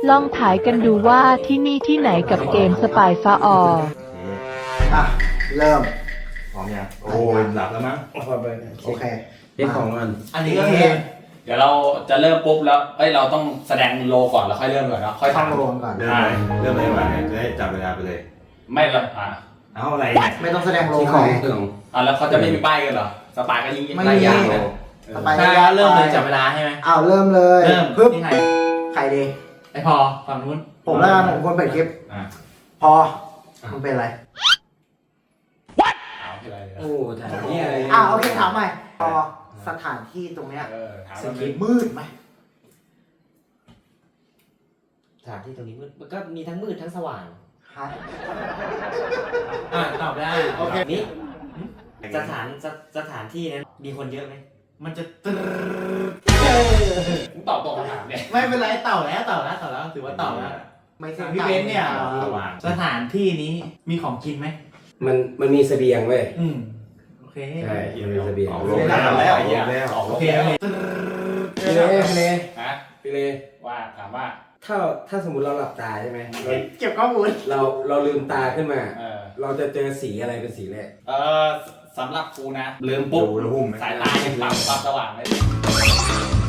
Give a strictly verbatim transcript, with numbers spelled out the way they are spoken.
ลองถ่ายกันดูว่าที่นี่ที่ไหนกับเกมสปายฟ้าอออ่ะเริ่มพร้อมยังโอ้ยหลับแล้วมั้งโอเคเช็คของมันอันนี้ก็คือเดี๋ยวเราจะเริ่มปุ๊บแล้วเอ้ยเราต้องแสดงโลก่อนแล้วค่อยเริ่มก่อนเนาะค่อยต้องทำรวมก่อนเริ่มเลยเริ่มเลยดีกว่าเนี่ยจะได้จับเวลาไปเลยไม่เลยอ่ะเอาอะไรเนี่ยไม่ต้องแสดงลงที่ไหของนเครื่องอ่ะแล้วเขาจะไม่มีป้ายกันเหรอสปายก็ยิงไม่ไล่มียางนะสปายใช่แล้วเริ่มเลยจับเวลาใช่ไหมอ้าวเริ่มเลยเริ่มปึ๊บที่ใครใครดีไอพอฝั่งนู้นผมแล้วกันผมคนเปิดคลิปอ่ะพอมึงเป็นอะไรเอาที่ไรเลยโอ้ถ่ายนี่อะไรอ่าโอเคถามใหม่พอสถานที่ตรงเนี้ยเออถามสว่ากีมืดไหมสถานที่ตรงนี้มืดมันก็มีทั้งมืดทั้งสว่างฮะอ่าตอบได้โอเคนี่สถานสสถานที่นั้นมีคนเยอะไหมมันจะตรึ๊ดมึงตอบตรงคำถามเนี่ยไม่เป็นไรเต่าแล้วเต่าแล้วเต่าแล้วถือว่าเต่าแล้วไม่ใช่พี่เบนซ์เนี่ยสว่างสถานที่นี้มีของกินไหมมันมันมีเสบียงเว้ยอืมโอเคใช่มันมีเสบียงออกลลงงแล้วน้ำแล้แล้ววไอ้เหี้ยแล้วออกโอลงเคน้โอเคพี่เล่พี่เล่ำฮะพี่เล่ว่าถามว่าถ้าถ้าสมมติเราหลับตาใช่ไหมเราเก็บข้อมูลเราเราลืมตาขึ้นมาเออเราจะเจอสีอะไรเป็นสีแรกเออสำหรับกูนะลืมปุ๊บดูแล้วหุ้มไหมสายตายังปรับปรับสว่างเลย